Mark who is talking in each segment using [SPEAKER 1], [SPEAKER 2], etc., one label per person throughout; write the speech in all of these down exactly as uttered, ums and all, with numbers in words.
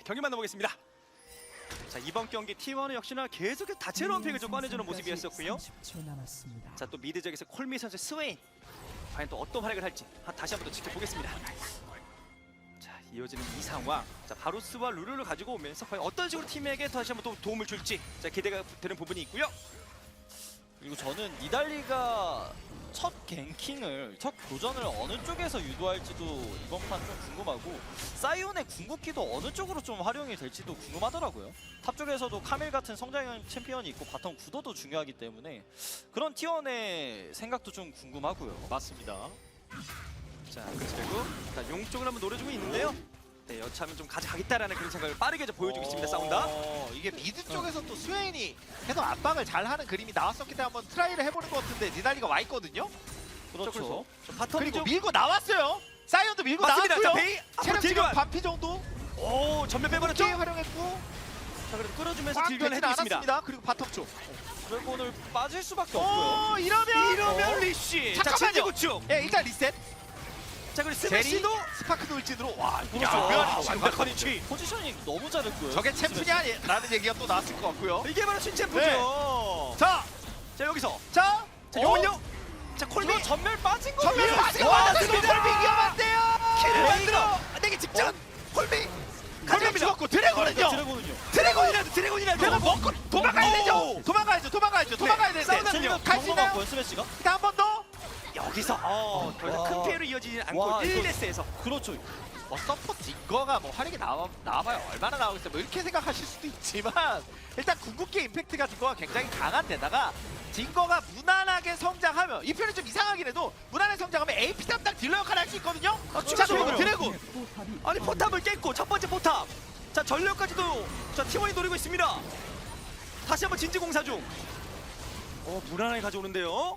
[SPEAKER 1] 경기 만나보겠습니다. 자, 이번 경기 티원은 역시나 계속해서 다채로운 픽을 좀 꺼내주는 모습이었었고요.
[SPEAKER 2] 삼십 초 남았습니다.
[SPEAKER 1] 자, 또 미드 지역에서 콜미 선수 스웨인 과연 또 어떤 활약을 할지 한- 다시 한번 더 지켜보겠습니다. 자, 이어지는 이 상황. 자, 바루스와 루루를 가지고 오면서 과연 어떤 식으로 팀에게 다시 한번 또 도움을 줄지 자, 기대가 되는 부분이 있고요.
[SPEAKER 3] 그리고 저는 니달리가 첫 갱킹을, 첫 교전을 어느 쪽에서 유도할지도 이번 판 좀 궁금하고, 사이온의 궁극기도 어느 쪽으로 좀 활용이 될지도 궁금하더라고요. 탑 쪽에서도 카밀 같은 성장형 챔피언이 있고 바텀 구도도 중요하기 때문에 그런 티원의 생각도 좀 궁금하고요.
[SPEAKER 1] 맞습니다. 자, 그리고 자, 용 쪽을 한번 노려주고 있는데요. 네, 여차하면 좀 가져가겠다라는 그런 생각을 빠르게 좀 보여주고 있습니다. 싸운다.
[SPEAKER 4] 어, 이게 미드 쪽에서 또 스웨인이 계속 압박을 잘하는 그림이 나왔었기 때문에 한번 트라이를 해보는 것 같은데 니달리가 와 있거든요.
[SPEAKER 3] 그렇죠.
[SPEAKER 1] 자, 바텀
[SPEAKER 4] 그리고
[SPEAKER 1] 쪽
[SPEAKER 4] 밀고 나왔어요. 사이언도 밀고
[SPEAKER 1] 맞습니다. 자,
[SPEAKER 4] 나왔고요.
[SPEAKER 1] 베이 앞으로
[SPEAKER 4] 체력 지금
[SPEAKER 1] 딜교환.
[SPEAKER 4] 반피 정도
[SPEAKER 1] 오, 전면 빼버렸죠.
[SPEAKER 4] 게임 활용했고
[SPEAKER 1] 자, 그래도 끌어주면서
[SPEAKER 4] 꽉
[SPEAKER 1] 딜교환을
[SPEAKER 4] 되진
[SPEAKER 1] 해주고 있습니다.
[SPEAKER 4] 않았습니다. 그리고 바텀 쪽.
[SPEAKER 3] 드래곤을 빠질 수밖에 없고요.
[SPEAKER 4] 어 이러면
[SPEAKER 1] 이러면
[SPEAKER 4] 어.
[SPEAKER 1] 리쉬. 자,
[SPEAKER 4] 잠깐만요.
[SPEAKER 1] 진지구축.
[SPEAKER 4] 예 일단 리셋.
[SPEAKER 1] 자, 그리고
[SPEAKER 4] 제리
[SPEAKER 1] 스매시도
[SPEAKER 4] 스파크 돌진으로 와
[SPEAKER 3] 그렇죠.
[SPEAKER 4] 야,
[SPEAKER 3] 와,
[SPEAKER 1] 완벽한 위치.
[SPEAKER 3] 포지셔닝 너무 잘했고요.
[SPEAKER 4] 저게 챔프냐라는 얘기가 또 나왔을 것 같고요.
[SPEAKER 1] 이게 바로 신챔프죠.
[SPEAKER 4] 네. 자,
[SPEAKER 1] 자, 여기서
[SPEAKER 4] 자,
[SPEAKER 1] 자,
[SPEAKER 4] 어?
[SPEAKER 1] 요건요. 자, 콜미
[SPEAKER 3] 이거 전멸 빠진 거
[SPEAKER 4] 전면
[SPEAKER 1] 와,
[SPEAKER 4] 빠지고
[SPEAKER 1] 맞습니다.
[SPEAKER 4] 왔습니다. 콜비 위험한데요.
[SPEAKER 1] 킬을
[SPEAKER 4] 베이가.
[SPEAKER 1] 만들어 내기 직전. 콜미
[SPEAKER 4] 콜비
[SPEAKER 1] 가져갑니다.
[SPEAKER 4] 죽었고 드래곤은요.
[SPEAKER 3] 드래곤은요.
[SPEAKER 1] 드래곤이라도 드래곤이라도
[SPEAKER 4] 드래곤 먹고 도망가야 되죠.
[SPEAKER 1] 오.
[SPEAKER 4] 도망가야죠. 도망가야죠. 도망가야 되는데.
[SPEAKER 1] 싸우다
[SPEAKER 3] 찔리면
[SPEAKER 4] 갈수 있나요?
[SPEAKER 3] 경험한 스매시가?
[SPEAKER 4] 일단 한 번 더.
[SPEAKER 1] 여기서 어, 더 이상
[SPEAKER 3] 와.
[SPEAKER 1] 큰 피해로 이어지지 않고
[SPEAKER 3] 와,
[SPEAKER 1] 일
[SPEAKER 3] 이거-
[SPEAKER 1] 대스에서
[SPEAKER 3] 그렇죠.
[SPEAKER 4] 뭐 서포 딩거가 뭐 활약이 나와 나와봐요 얼마나 나오겠어요. 뭐 이렇게 생각하실 수도 있지만 일단 궁극기 임팩트가 딩거가 굉장히 강한데다가 딩거가 무난하게 성장하면 이 편이 좀 이상하긴 해도 무난하게 성장하면 에이피 담당 딜러 역할을 할 수 있거든요.
[SPEAKER 1] 아,
[SPEAKER 4] 자 그리고
[SPEAKER 1] 그렇죠.
[SPEAKER 4] 드래곤
[SPEAKER 2] 포탑이
[SPEAKER 1] 아니 포탑을 깼고 첫 번째 포탑. 자, 전력까지도 자 티원이 노리고 있습니다. 다시 한번 진지 공사 중. 어, 무난하게 가져오는데요.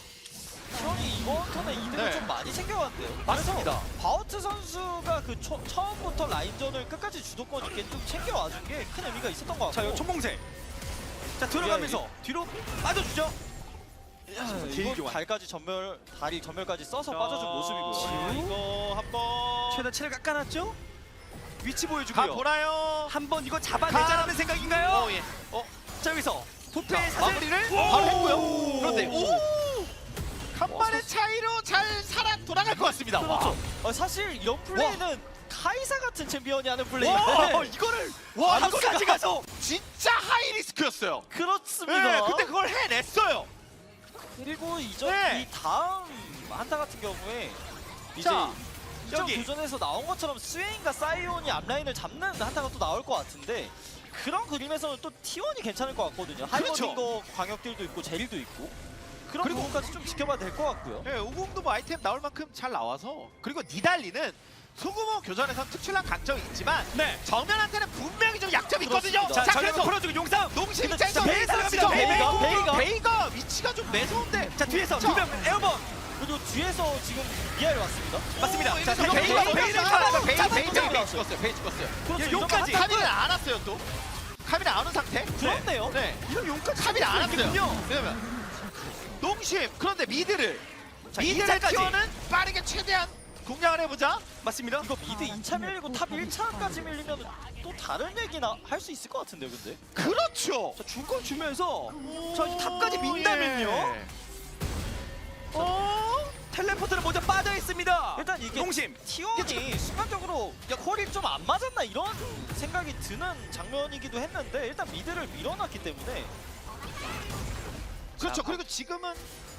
[SPEAKER 3] 형이 이번 턴에 이득을
[SPEAKER 4] 네.
[SPEAKER 3] 좀 많이 챙겨왔대요.
[SPEAKER 4] 맞습니다.
[SPEAKER 3] 그래서 바우트 선수가 그 초, 처음부터 라인전을 끝까지 주도권 있게 좀 챙겨와준 게 큰 의미가 있었던 것
[SPEAKER 1] 자,
[SPEAKER 3] 같고.
[SPEAKER 1] 요 총공세. 자, 들어가면서 뒤로 빠져주죠.
[SPEAKER 3] 야,
[SPEAKER 1] 딜
[SPEAKER 3] 이거
[SPEAKER 1] 교환.
[SPEAKER 3] 발까지 전멸, 다리 전멸까지 써서
[SPEAKER 1] 자,
[SPEAKER 3] 빠져준 모습이고요.
[SPEAKER 1] 지금?
[SPEAKER 4] 이거 한번
[SPEAKER 1] 최대한 체를 깎아놨죠. 위치
[SPEAKER 4] 가
[SPEAKER 1] 보여주고요.
[SPEAKER 4] 보나요?
[SPEAKER 1] 한번 이거 잡아내자라는 생각인가요?
[SPEAKER 4] 어 예. 어
[SPEAKER 1] 자, 여기서 도패
[SPEAKER 4] 자,
[SPEAKER 1] 사슬.
[SPEAKER 4] 마무리를
[SPEAKER 1] 오!
[SPEAKER 4] 바로 했고요. 그런데 오
[SPEAKER 3] 와,
[SPEAKER 4] 간발의
[SPEAKER 3] 사-
[SPEAKER 4] 차이로 잘 살아 돌아갈 것 같습니다.
[SPEAKER 3] 그렇죠. 어, 사실 이런 플레이는 카이사 같은 챔피언이 하는
[SPEAKER 1] 와,
[SPEAKER 3] 플레이인데
[SPEAKER 1] 이거를
[SPEAKER 4] 와,
[SPEAKER 1] 한번까지
[SPEAKER 4] 이거가-
[SPEAKER 1] 가서
[SPEAKER 4] 진짜 하이 리스크였어요.
[SPEAKER 3] 그렇습니다.
[SPEAKER 4] 네, 근데 그걸 해냈어요.
[SPEAKER 3] 그리고 이전
[SPEAKER 4] 네.
[SPEAKER 3] 이 다음 한타 같은 경우에 이제
[SPEAKER 4] 자,
[SPEAKER 3] 이전
[SPEAKER 1] 여기.
[SPEAKER 3] 도전에서 나온 것처럼 스웨인과 사이온이 앞라인을 잡는 한타가 또 나올 것 같은데, 그런 그림에서는 또 티원이 괜찮을 것 같거든요.
[SPEAKER 4] 그렇죠.
[SPEAKER 3] 하이머딩거 광역딜도 있고 제릴도 있고 그런
[SPEAKER 4] 그리고-
[SPEAKER 3] 부분까지 좀 지켜봐야 될 것 같고요.
[SPEAKER 4] 네, 오공도 뭐 아이템 나올 만큼 잘 나와서 그리고 니달리는 소규모 교전에선 특출난 강점이 있지만
[SPEAKER 1] 네.
[SPEAKER 4] 정면한테는 분명히 좀 약점이 있거든요.
[SPEAKER 3] 그렇습니다.
[SPEAKER 1] 자,
[SPEAKER 4] 자,
[SPEAKER 1] 전력을
[SPEAKER 4] 그래서
[SPEAKER 1] 풀어주고 용삼.
[SPEAKER 4] 농심
[SPEAKER 3] 근데
[SPEAKER 4] 입장에서
[SPEAKER 1] 진짜 베이 들어갑니다. 베이,
[SPEAKER 4] 베이가,
[SPEAKER 3] 베이가.
[SPEAKER 4] 베이가 위치가 좀 매서운데
[SPEAKER 1] 자, 뒤에서
[SPEAKER 4] 자.
[SPEAKER 1] 두명 에어본.
[SPEAKER 3] 그리고 뒤에서 지금 미아일 왔습니다.
[SPEAKER 1] 맞습니다.
[SPEAKER 4] 오,
[SPEAKER 1] 자,
[SPEAKER 4] 이래서
[SPEAKER 1] 이거
[SPEAKER 4] 베이가
[SPEAKER 1] 베이가
[SPEAKER 4] 베이를
[SPEAKER 1] 베이를
[SPEAKER 4] 잡아서
[SPEAKER 1] 잡아서
[SPEAKER 4] 베이
[SPEAKER 1] 잡아서
[SPEAKER 4] 베이 베이
[SPEAKER 1] 잡아서
[SPEAKER 4] 베이 죽었어요. 베이 죽었어요.
[SPEAKER 3] 그렇죠.
[SPEAKER 1] 야,
[SPEAKER 3] 이거
[SPEAKER 1] 여기까지.
[SPEAKER 3] 한타-
[SPEAKER 4] 카밀은 안 왔어요 또. 카밀은 안 온 상태.
[SPEAKER 3] 그렇네요.
[SPEAKER 4] 네.
[SPEAKER 1] 이런 용까지
[SPEAKER 4] 카밀이 안 왔어요.
[SPEAKER 1] 있군요.
[SPEAKER 4] 왜냐면 농심 그런데 미드를
[SPEAKER 1] 자,
[SPEAKER 4] 미드를
[SPEAKER 1] 이차까지.
[SPEAKER 4] 키워는 빠르게 최대한 공략을 해보자.
[SPEAKER 1] 맞습니다.
[SPEAKER 3] 이거 미드 이 차 밀리고 탑 일 차까지 밀리면 또 다른 얘기나 할 수 있을 것 같은데요, 근데?
[SPEAKER 4] 그렇죠.
[SPEAKER 1] 자, 줄걸 주면서 자, 탑까지 민다면요.
[SPEAKER 4] 예. 어?
[SPEAKER 1] 텔레포트는 먼저 빠져 있습니다.
[SPEAKER 3] 일단 이게
[SPEAKER 1] 용심.
[SPEAKER 3] 티원이 순간적으로 야 콜이 좀 안 맞았나 이런 생각이 드는 장면이기도 했는데, 일단 미드를 밀어놨기 때문에
[SPEAKER 4] 그렇죠. 그리고 지금은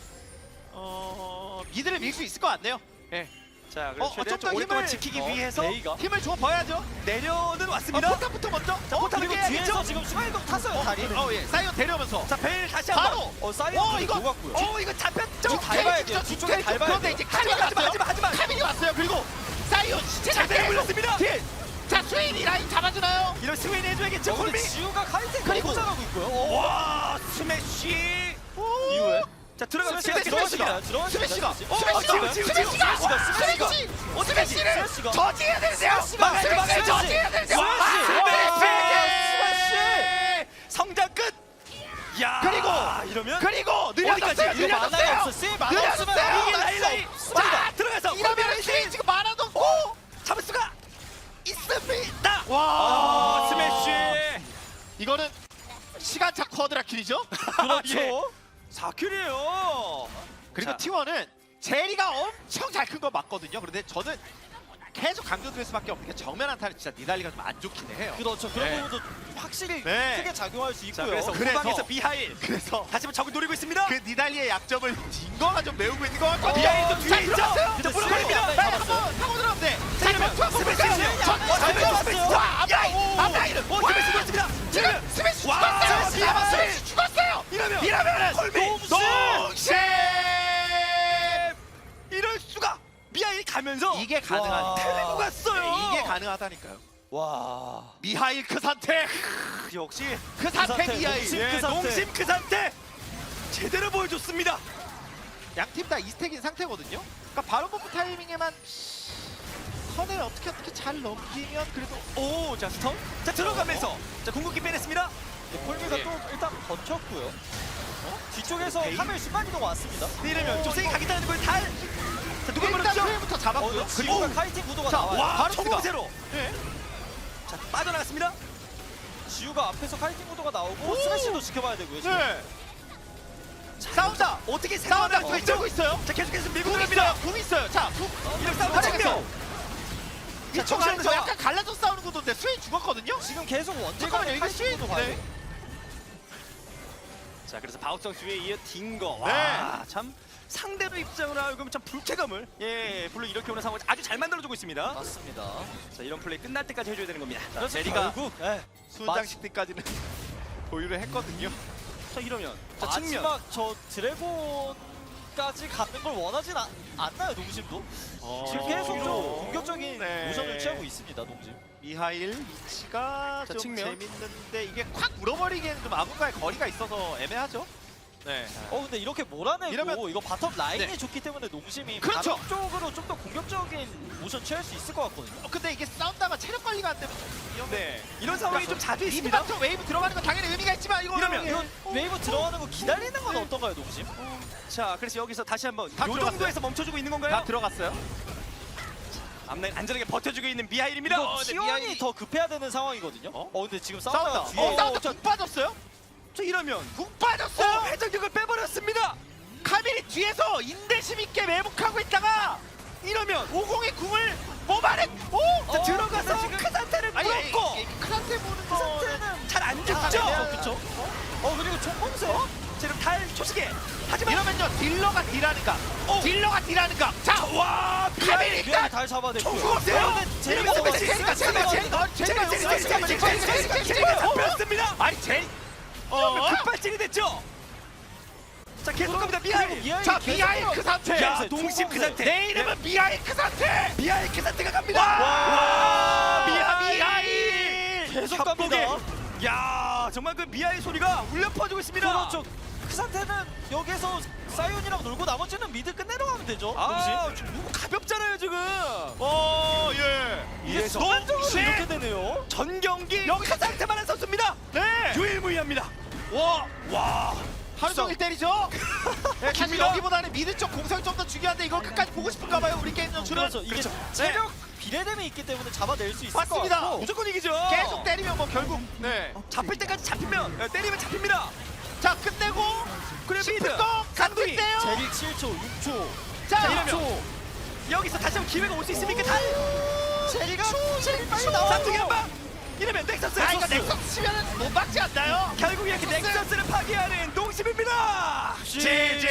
[SPEAKER 4] 어 미드를 밀 수 있을 것 같네요. 예.
[SPEAKER 1] 자,
[SPEAKER 4] 어,
[SPEAKER 1] 그래서 최대한
[SPEAKER 4] 좀
[SPEAKER 1] 좀
[SPEAKER 4] 더
[SPEAKER 1] 오랫동안
[SPEAKER 4] 힘을-
[SPEAKER 1] 지키기
[SPEAKER 3] 어,
[SPEAKER 1] 위해서
[SPEAKER 3] 베이가
[SPEAKER 4] 힘을 줘 봐야죠.
[SPEAKER 1] 내려는
[SPEAKER 4] 어,
[SPEAKER 1] 왔습니다.
[SPEAKER 4] 포탑부터 먼저.
[SPEAKER 1] 자, 포탑을
[SPEAKER 3] 그리고
[SPEAKER 1] 깨야겠죠?
[SPEAKER 3] 뒤에서 지금 순간이동 탔어요, 다리.
[SPEAKER 4] 어 예. 사이언 데려오면서.
[SPEAKER 1] 자, 벨 다시 한번.
[SPEAKER 4] 바로.
[SPEAKER 3] 어,
[SPEAKER 4] 어,
[SPEAKER 3] 사이언
[SPEAKER 4] 이거-
[SPEAKER 3] 녹았고요.
[SPEAKER 1] 어, 이거 잡혔죠?
[SPEAKER 4] 쭉
[SPEAKER 3] 밟아야 돼요.
[SPEAKER 4] 쭉
[SPEAKER 3] 뒤쪽에
[SPEAKER 4] 쭉
[SPEAKER 3] 밟아야
[SPEAKER 4] 그런데
[SPEAKER 3] 돼요.
[SPEAKER 4] 이제 카밀이
[SPEAKER 1] 하지마, 하지마,
[SPEAKER 4] 왔어요.
[SPEAKER 1] 하지마, 하지마.
[SPEAKER 4] 카밀이 왔어요. 그리고 사이언 시체
[SPEAKER 1] 자, 벨 물렸습니다.
[SPEAKER 4] 딜. 자, 스웨인이 라인 잡아주나요?
[SPEAKER 1] 이런 스웨인 해줘야겠죠,
[SPEAKER 3] 어, 근데
[SPEAKER 1] 콜미.
[SPEAKER 3] 지우가 카이팅
[SPEAKER 4] 그리고-
[SPEAKER 3] 너무 잘하고 있고요. 어,
[SPEAKER 1] 와, 스매시.
[SPEAKER 3] 이후에
[SPEAKER 1] 자, 들어가서
[SPEAKER 3] 스매시가
[SPEAKER 1] 제가
[SPEAKER 3] 들어갔습니다.
[SPEAKER 1] 들어갔습니다.
[SPEAKER 4] 스매시가
[SPEAKER 3] 스매시가.
[SPEAKER 4] 스매시가
[SPEAKER 1] 아, 지금, 지금, 지금.
[SPEAKER 4] 스매시가
[SPEAKER 3] 스매시가.
[SPEAKER 4] 스매시
[SPEAKER 3] 어,
[SPEAKER 4] 스매시를
[SPEAKER 3] 스매시가.
[SPEAKER 4] 저지해야 되는데요.
[SPEAKER 3] 스매시가.
[SPEAKER 4] 스매시를
[SPEAKER 3] 스매시.
[SPEAKER 4] 저지해야 되는데요.
[SPEAKER 3] 스매시.
[SPEAKER 1] 스매시. 성장 끝. 야,
[SPEAKER 4] 그리고
[SPEAKER 1] 이러면
[SPEAKER 4] 그리고
[SPEAKER 1] 어디까지?
[SPEAKER 4] 느려졌어요.
[SPEAKER 3] 이거 만화가
[SPEAKER 4] 느려졌어요.
[SPEAKER 3] 없어. 쎄 만화 없으면
[SPEAKER 4] 느려졌어요.
[SPEAKER 3] 이길
[SPEAKER 1] 라인, 라인.
[SPEAKER 3] 수 없습니다.
[SPEAKER 1] 자, 들어가서
[SPEAKER 4] 이러면 스웨인 지금 만화도 없고
[SPEAKER 1] 잡을 수가 있습니다.
[SPEAKER 4] 와. 킬이죠?
[SPEAKER 3] 그렇죠.
[SPEAKER 1] 사 킬이에요.
[SPEAKER 4] 그리고
[SPEAKER 1] 자.
[SPEAKER 4] 티원은 제리가 엄청 잘 큰 건 맞거든요. 그런데 저는 계속 강조드릴 수밖에 없는 게 정면 한타는 진짜 니달리가 좀 안 좋긴 해요.
[SPEAKER 3] 그렇죠. 그런
[SPEAKER 4] 네.
[SPEAKER 3] 부분도 확실히
[SPEAKER 4] 네.
[SPEAKER 3] 크게 작용할 수
[SPEAKER 1] 자,
[SPEAKER 3] 있고요.
[SPEAKER 1] 그래서
[SPEAKER 4] 그래서-
[SPEAKER 1] 후방에서 미하일
[SPEAKER 4] 그래서
[SPEAKER 1] 다시 한번 적을 노리고 있습니다.
[SPEAKER 4] 그 니달리의 약점을 딩거가 좀 메우고 있는 것 같고
[SPEAKER 1] 어, 미하일도 뒤에 있죠?
[SPEAKER 4] 자,
[SPEAKER 1] 근데
[SPEAKER 4] 물어버립니다.
[SPEAKER 1] 스매시가
[SPEAKER 4] 빨리
[SPEAKER 3] 잡았어요.
[SPEAKER 4] 한번 타고 들어가면 돼.
[SPEAKER 1] 자,
[SPEAKER 4] 자,
[SPEAKER 1] 이러면
[SPEAKER 4] 전투 한번
[SPEAKER 1] 스매시
[SPEAKER 4] 볼까요?
[SPEAKER 1] 스매시
[SPEAKER 4] 전-
[SPEAKER 1] 와,
[SPEAKER 4] 전투
[SPEAKER 1] 스매시
[SPEAKER 4] 스매시.
[SPEAKER 1] 스매시.
[SPEAKER 4] 와, 앞라인,
[SPEAKER 1] 오,
[SPEAKER 4] 앞라인은.
[SPEAKER 1] 오, 스매시 죽었습니다.
[SPEAKER 4] 지금 스매시
[SPEAKER 1] 와,
[SPEAKER 4] 죽었어요.
[SPEAKER 1] 스매시.
[SPEAKER 4] 지금 스매시 죽었어요.
[SPEAKER 1] 이러면
[SPEAKER 4] 이러면은
[SPEAKER 1] 헐미
[SPEAKER 4] 농심!
[SPEAKER 1] 이럴 수가. 미하일 가면서
[SPEAKER 4] 이게 가능한.
[SPEAKER 3] 와.
[SPEAKER 1] 텔레고 갔어요.
[SPEAKER 4] 이게 가능하다니까요.
[SPEAKER 3] 와.
[SPEAKER 4] 미하일 그 상태.
[SPEAKER 1] 역시
[SPEAKER 4] 그 상태
[SPEAKER 3] 상태,
[SPEAKER 4] 미하일.
[SPEAKER 3] 농심.
[SPEAKER 1] 예,
[SPEAKER 3] 그 상태.
[SPEAKER 1] 농심 그 상태 제대로 보여줬습니다.
[SPEAKER 4] 양팀 다 이스택인 상태거든요. 그러니까 바로 버프 타이밍에만 선을 어떻게 어떻게 잘 넘기면 그래도
[SPEAKER 1] 오, 자 스턴. 자 들어가면서 자 궁극기 빼냈습니다.
[SPEAKER 3] 네, 폴미가
[SPEAKER 4] 예.
[SPEAKER 3] 또 일단 번쳤고요. 어? 뒤쪽에서
[SPEAKER 1] 오케이.
[SPEAKER 3] 카멜 순간 이동 왔습니다.
[SPEAKER 1] 이러면 좀 세게 가겠다는 걸 달. 자 누가
[SPEAKER 4] 일단
[SPEAKER 1] 버렸죠?
[SPEAKER 4] 프레임부터
[SPEAKER 3] 어,
[SPEAKER 4] 잡았고요.
[SPEAKER 3] 그리고
[SPEAKER 1] 그리고
[SPEAKER 3] 카이팅 구도가
[SPEAKER 4] 자,
[SPEAKER 3] 나와요.
[SPEAKER 1] 와,
[SPEAKER 4] 바로
[SPEAKER 1] 초공세로.
[SPEAKER 4] 네.
[SPEAKER 1] 자 빠져나갔습니다.
[SPEAKER 3] 지우가 앞에서 카이팅 구도가 나오고 스매시도 지켜봐야 되고요. 지금.
[SPEAKER 4] 네. 싸운다.
[SPEAKER 1] 어떻게
[SPEAKER 4] 싸운다.
[SPEAKER 1] 생각하고
[SPEAKER 4] 궁
[SPEAKER 1] 있죠?
[SPEAKER 4] 들고 있어요.
[SPEAKER 1] 자 계속해서 밀고
[SPEAKER 4] 궁
[SPEAKER 1] 들어갑니다.
[SPEAKER 4] 있어요. 궁 있어요. 자, 궁.
[SPEAKER 1] 이런 싸움
[SPEAKER 4] 활약했어.
[SPEAKER 1] 측면.
[SPEAKER 4] 이
[SPEAKER 1] 자,
[SPEAKER 4] 쪽
[SPEAKER 1] 정신
[SPEAKER 4] 안에서
[SPEAKER 1] 차려.
[SPEAKER 4] 약간 갈라져 싸우는 구도인데 스웨인 죽었거든요.
[SPEAKER 3] 지금 계속 원딜
[SPEAKER 4] 잠깐만요.
[SPEAKER 3] 간의
[SPEAKER 4] 이게
[SPEAKER 3] 카이팅
[SPEAKER 4] 스웨인.
[SPEAKER 3] 구도 봐요.
[SPEAKER 4] 네.
[SPEAKER 1] 자 그래서 바우성 수에 이어 딩거.
[SPEAKER 4] 네.
[SPEAKER 1] 와참 상대로 입장을 하고 참 불쾌감을 예 불러 일으켜 오는 상황을 아주 잘 만들어주고 있습니다.
[SPEAKER 3] 맞습니다.
[SPEAKER 1] 자 이런 플레이 끝날 때까지 해줘야 되는 겁니다. 자
[SPEAKER 3] 그래서
[SPEAKER 1] 제리가
[SPEAKER 3] 결국 예.
[SPEAKER 4] 수장식들까지는 보유를 했거든요.
[SPEAKER 1] 자 이러면 자 측면.
[SPEAKER 3] 마지막 저 드래곤까지 가는 걸 원하진 않, 않나요, 농심도? 지금 계속 좀
[SPEAKER 1] 뒤로.
[SPEAKER 3] 공격적인
[SPEAKER 4] 네.
[SPEAKER 3] 모션을 취하고 있습니다, 농심.
[SPEAKER 4] 미하일 위치가
[SPEAKER 1] 자,
[SPEAKER 4] 좀
[SPEAKER 1] 측면.
[SPEAKER 4] 재밌는데 이게 콱 물어버리기에는 좀 아군과의 거리가 있어서 애매하죠. 네.
[SPEAKER 3] 어 근데 이렇게 몰아내고
[SPEAKER 4] 이러면-
[SPEAKER 3] 이거 바텀 라인이
[SPEAKER 4] 네.
[SPEAKER 3] 좋기 때문에 농심이
[SPEAKER 4] 그렇죠.
[SPEAKER 3] 바텀 쪽으로 좀 더 공격적인 모션 취할 수 있을 것 같거든요.
[SPEAKER 4] 어, 근데 이게 싸운다가 체력 관리가 안 되면 위험해.
[SPEAKER 1] 네 이런 상황이 좀 자주 있습니다.
[SPEAKER 4] 미드바텀 웨이브 들어가는 건 당연히 의미가 있지만 이거
[SPEAKER 1] 이러면
[SPEAKER 4] 예.
[SPEAKER 3] 이건 웨이브 들어가는 거 기다리는 건
[SPEAKER 4] 네.
[SPEAKER 3] 어떤가요, 농심?
[SPEAKER 1] 자 그래서 여기서 다시 한번
[SPEAKER 4] 다
[SPEAKER 1] 요
[SPEAKER 4] 들어갔어요.
[SPEAKER 1] 정도에서 멈춰주고 있는 건가요?
[SPEAKER 4] 다 들어갔어요.
[SPEAKER 1] 앞라인 안전하게 버텨주고 있는 미하일입니다.
[SPEAKER 3] 이거
[SPEAKER 1] 어, 네,
[SPEAKER 3] 티원이
[SPEAKER 1] 미하일이-
[SPEAKER 3] 더 급해야 되는 상황이거든요.
[SPEAKER 4] 어?
[SPEAKER 3] 어, 근데 지금
[SPEAKER 4] 싸운다.
[SPEAKER 3] 싸우다가 뒤에
[SPEAKER 4] 어, 싸운다. 궁 빠졌어요?
[SPEAKER 1] 자 이러면
[SPEAKER 4] 궁 빠졌어요.
[SPEAKER 1] 어, 회전격을 빼버렸습니다.
[SPEAKER 4] 카밀이 뒤에서 인내심 있게 매복하고 있다가
[SPEAKER 1] 이러면
[SPEAKER 4] 오공의 궁을 뽑아내. 오!
[SPEAKER 1] 자
[SPEAKER 3] 어,
[SPEAKER 1] 들어가서
[SPEAKER 3] 근데 지금-
[SPEAKER 1] 그 상태를
[SPEAKER 4] 아니,
[SPEAKER 1] 물었고
[SPEAKER 4] 그 상태 보는
[SPEAKER 1] 그
[SPEAKER 4] 거.
[SPEAKER 1] 상태는 잘 안 죽죠.
[SPEAKER 3] 아, 그쵸? 어 그리고 총검세.
[SPEAKER 1] 자 이러면 달 초시계. 하지만
[SPEAKER 4] 이러면요 딜러가 딜하는가?
[SPEAKER 1] 어.
[SPEAKER 4] 딜러가 딜하는가? 자,
[SPEAKER 1] 와
[SPEAKER 4] 카밀이
[SPEAKER 3] 미안이
[SPEAKER 4] 일단
[SPEAKER 3] 달 잡아냈고요.
[SPEAKER 1] 총 죽었어요.
[SPEAKER 3] 어, 근데 제리가
[SPEAKER 1] 이러면
[SPEAKER 3] 잡았어요.
[SPEAKER 4] 제리가 제리가 제리가 제리가
[SPEAKER 1] 제리 제리 제리 제리 제리 제리 제리 제리 잡혔습니다.
[SPEAKER 4] 아니 제리.
[SPEAKER 1] 어 급발진이 됐죠. 자 계속 갑니다. 미하일.
[SPEAKER 3] 미아이
[SPEAKER 4] 자
[SPEAKER 3] 계속
[SPEAKER 4] 미하일 그 상태.
[SPEAKER 1] 야
[SPEAKER 3] 총검세,
[SPEAKER 1] 농심 그
[SPEAKER 3] 총검세.
[SPEAKER 1] 상태.
[SPEAKER 4] 내 이름은 미하일 그 상태.
[SPEAKER 1] 미하일 그 상태가 갑니다.
[SPEAKER 4] 와,
[SPEAKER 1] 미하일.
[SPEAKER 4] 미하일.
[SPEAKER 3] 계속
[SPEAKER 1] 협곡에.
[SPEAKER 3] 갑니다.
[SPEAKER 1] 야 정말 그 미하일 소리가 울려 퍼지고 있습니다.
[SPEAKER 3] 그렇죠. 그 상태는 여기서 사이온이랑 놀고 나머지는 미드 끝내러 가면 되죠.
[SPEAKER 1] 아
[SPEAKER 3] 농심.
[SPEAKER 1] 누구 가볍잖아요 지금.
[SPEAKER 4] 어 예.
[SPEAKER 3] 이게
[SPEAKER 1] 이래서
[SPEAKER 3] 순간적으로
[SPEAKER 4] 농심.
[SPEAKER 3] 이렇게 되네요.
[SPEAKER 1] 전 경기
[SPEAKER 4] 여기-
[SPEAKER 1] 그 상태만 한 선수입니다.
[SPEAKER 4] 네.
[SPEAKER 1] 유일무이합니다. 와 와.
[SPEAKER 4] 하루 종일 때리죠. 네, 사실
[SPEAKER 1] 깁니다.
[SPEAKER 4] 여기보다는 미드 쪽 공성이 좀 더 중요한데 이걸 끝까지 보고 싶은가 봐요. 우리 게임 연출은.
[SPEAKER 3] 그렇죠. 이게
[SPEAKER 1] 그렇죠.
[SPEAKER 3] 체력 비례됨이 있기 때문에 잡아낼 수 있을 것
[SPEAKER 4] 맞습니다.
[SPEAKER 3] 같고.
[SPEAKER 1] 무조건 이기죠.
[SPEAKER 4] 계속 때리면 뭐 결국 네.
[SPEAKER 1] 잡힐 때까지 잡히면 예, 때리면 잡힙니다.
[SPEAKER 4] 자 끝내고
[SPEAKER 1] 그래 미드
[SPEAKER 4] 십분 동
[SPEAKER 1] 간둥이.
[SPEAKER 4] 간둥이요.
[SPEAKER 3] 제리 칠 초, 육 초.
[SPEAKER 4] 자,
[SPEAKER 1] 자 이러면 여기서 다시 한번 기회가 올 수 있습니까? 달.
[SPEAKER 3] 제리가 제리 빨리
[SPEAKER 1] 쌍둥이 한
[SPEAKER 3] 나와.
[SPEAKER 1] 방. 이러면 넥서스.
[SPEAKER 4] 아 이거 넥서스 치면은 못 막지 않나요?
[SPEAKER 1] 결국 이렇게 넥서스를 파괴하는 농심입니다.
[SPEAKER 3] 지지.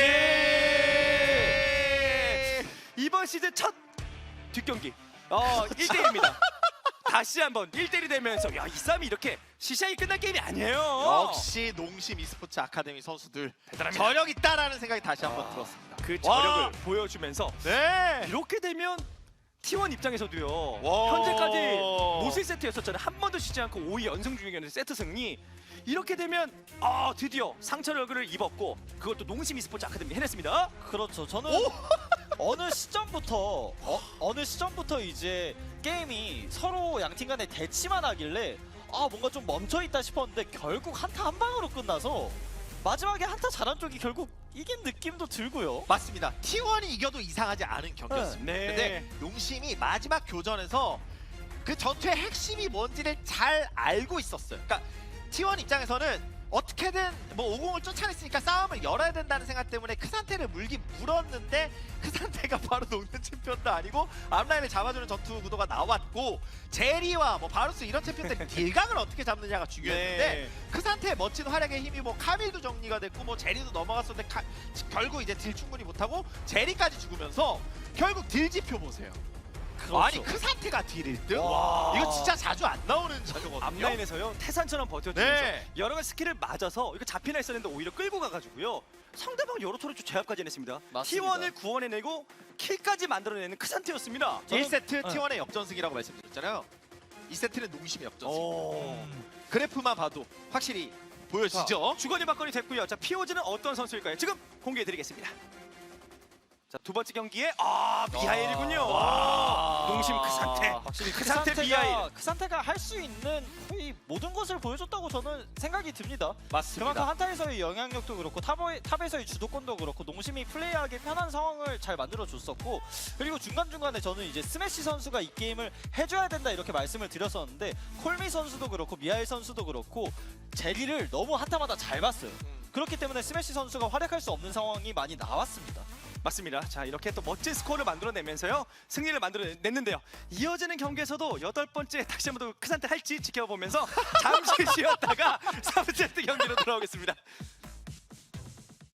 [SPEAKER 1] 이번 시즌 첫 뒷경기 어 일 대 일입니다. 다시 한번 일 대 일이 되면서 야 이 싸움이 이렇게 시시하게 끝난 게임이 아니에요.
[SPEAKER 4] 역시 농심 e스포츠 아카데미 선수들
[SPEAKER 1] 대단합니다.
[SPEAKER 4] 저력 있다라는 생각이 다시 한번 들었습니다.
[SPEAKER 1] 그
[SPEAKER 4] 와.
[SPEAKER 1] 저력을 보여주면서
[SPEAKER 4] 네.
[SPEAKER 1] 이렇게 되면 티원 입장에서도요.
[SPEAKER 4] 와.
[SPEAKER 1] 현재까지 노슬 세트였었잖아요. 한 번도 쉬지 않고 오 위 연승 중이었는데 세트 승리. 이렇게 되면 아 드디어 상처 얼굴을 입었고 그것도 농심 e스포츠 아카데미 해냈습니다.
[SPEAKER 3] 그렇죠. 저는 어느 시점부터 어, 어느 시점부터 이제 게임이 서로 양팀 간에 대치만 하길래 아 뭔가 좀 멈춰 있다 싶었는데 결국 한타 한 방으로 끝나서 마지막에 한타 잘한 쪽이 결국 이긴 느낌도 들고요.
[SPEAKER 4] 맞습니다. 티원이 이겨도 이상하지 않은 경기였습니다.
[SPEAKER 1] 네.
[SPEAKER 4] 근데 농심이 마지막 교전에서 그 전투의 핵심이 뭔지를 잘 알고 있었어요. 그러니까 티원 입장에서는 어떻게든 뭐 오공을 쫓아냈으니까 싸움을 열어야 된다는 생각 때문에 그 상태를 물긴 물었는데 그 상태가 바로 녹는 챔피언도 아니고 앞라인을 잡아주는 전투 구도가 나왔고 제리와 뭐 바루스 이런 챔피언들 딜각을 어떻게 잡느냐가 중요했는데
[SPEAKER 1] 네.
[SPEAKER 4] 그 상태의 멋진 활약의 힘이 뭐 카밀도 정리가 됐고 뭐 제리도 넘어갔었는데 카, 결국 이제 딜 충분히 못하고 제리까지 죽으면서 결국 딜 지표 보세요.
[SPEAKER 3] 그렇죠.
[SPEAKER 4] 아니 그 상태가 딜 일 등?
[SPEAKER 1] 와.
[SPEAKER 4] 이거 진짜 자주 안 나오는 자료거든요.
[SPEAKER 1] 앞라인에서요 태산처럼 버텨주면서
[SPEAKER 4] 네.
[SPEAKER 1] 여러 가지 스킬을 맞아서 이거 잡히나 했었는데 오히려 끌고 가가지고요 상대방 여러 토를 제압까지 해냈습니다.
[SPEAKER 3] 맞습니다.
[SPEAKER 1] 티 원을 구원해내고 킬까지 만들어내는 그 상태였습니다.
[SPEAKER 4] 일 세트
[SPEAKER 3] 네.
[SPEAKER 4] 티 원의 역전승이라고 말씀드렸잖아요. 이 세트는 농심의 역전승.
[SPEAKER 1] 오.
[SPEAKER 4] 그래프만 봐도 확실히 보여지죠.
[SPEAKER 1] 주거니 받거니 됐고요. 자 피오즈는 어떤 선수일까요? 지금 공개해드리겠습니다. 자 두 번째 경기에 아 미하일이군요.
[SPEAKER 3] 와.
[SPEAKER 1] 농심 그 상태.
[SPEAKER 3] 확실히
[SPEAKER 1] 그 상태 미하일.
[SPEAKER 3] 그 상태가 할 수 있는 거의 모든 것을 보여줬다고 저는 생각이 듭니다.
[SPEAKER 4] 맞습니다.
[SPEAKER 3] 그만큼 한타에서의 영향력도 그렇고 탑의, 탑에서의 주도권도 그렇고 농심이 플레이하기 편한 상황을 잘 만들어줬었고 그리고 중간중간에 저는 이제 스매시 선수가 이 게임을 해줘야 된다 이렇게 말씀을 드렸었는데 콜미 선수도 그렇고 미하일 선수도 그렇고 제리를 너무 한타마다 잘 봤어요. 그렇기 때문에 스매시 선수가 활약할 수 없는 상황이 많이 나왔습니다.
[SPEAKER 1] 맞습니다. 자 이렇게 또 멋진 스코어를 만들어내면서요 승리를 만들어냈는데요. 이어지는 경기에서도 여덟 번째 다시 한번 더 그 상태 할지 지켜보면서 잠시 쉬었다가 삼 세트 경기로 돌아오겠습니다.